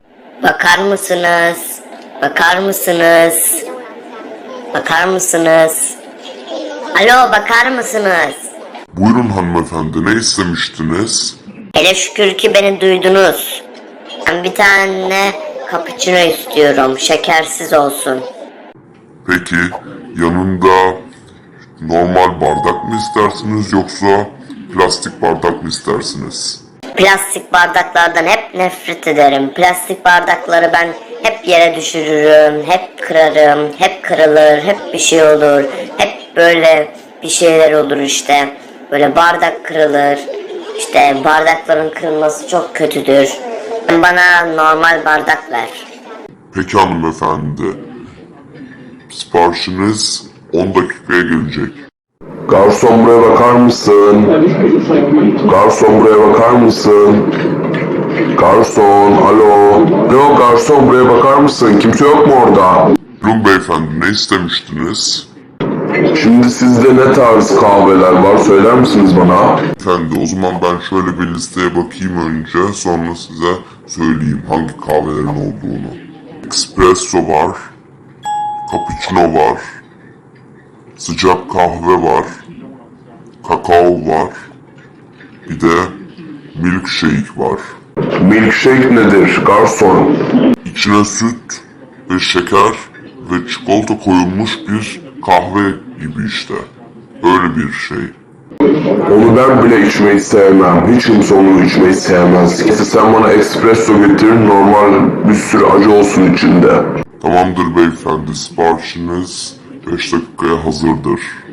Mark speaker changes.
Speaker 1: Bakar mısınız? Bakar mısınız? Bakar mısınız? Alo, bakar mısınız?
Speaker 2: Buyurun hanımefendi, ne istemiştiniz?
Speaker 1: Hele şükür ki beni duydunuz. Ben bir tane cappuccino istiyorum. Şekersiz olsun.
Speaker 2: Peki, yanında normal bardak mı istersiniz yoksa plastik bardak mı istersiniz?
Speaker 1: Plastik bardaklardan hep nefret ederim. Plastik bardakları ben hep yere düşürürüm, hep kırarım, hep kırılır, hep bir şey olur. Hep böyle bir şeyler olur işte. Böyle bardak kırılır. İşte bardakların kırılması çok kötüdür. Bana normal bardak ver.
Speaker 2: Peki hanımefendi, siparişiniz 10 dakikaya gelecek.
Speaker 3: Garson buraya bakar mısın? Garson buraya bakar mısın? Garson, alo. Alo garson buraya bakar mısın? Kimse yok mu orada?
Speaker 2: Buyurun beyefendi, ne istemiştiniz?
Speaker 3: Şimdi sizde ne tarz kahveler var söyler misiniz bana?
Speaker 2: Efendi, o zaman ben şöyle bir listeye bakayım önce, sonra size söyleyeyim hangi kahvelerin olduğunu. Espresso var, cappuccino var, sıcak kahve var, kakao var, bir de milkshake var.
Speaker 3: Milkshake nedir garson?
Speaker 2: İçine süt ve şeker ve çikolata koyulmuş bir kahve gibi işte. Öyle bir şey.
Speaker 3: Onu ben bile içmeyi sevmem. Hiç kimse onu içmeyi sevmez. Sen bana espresso getir, normal bir sürü acı olsun içinde.
Speaker 2: Tamamdır beyefendi, siparişiniz 5 dakikaya hazırdır.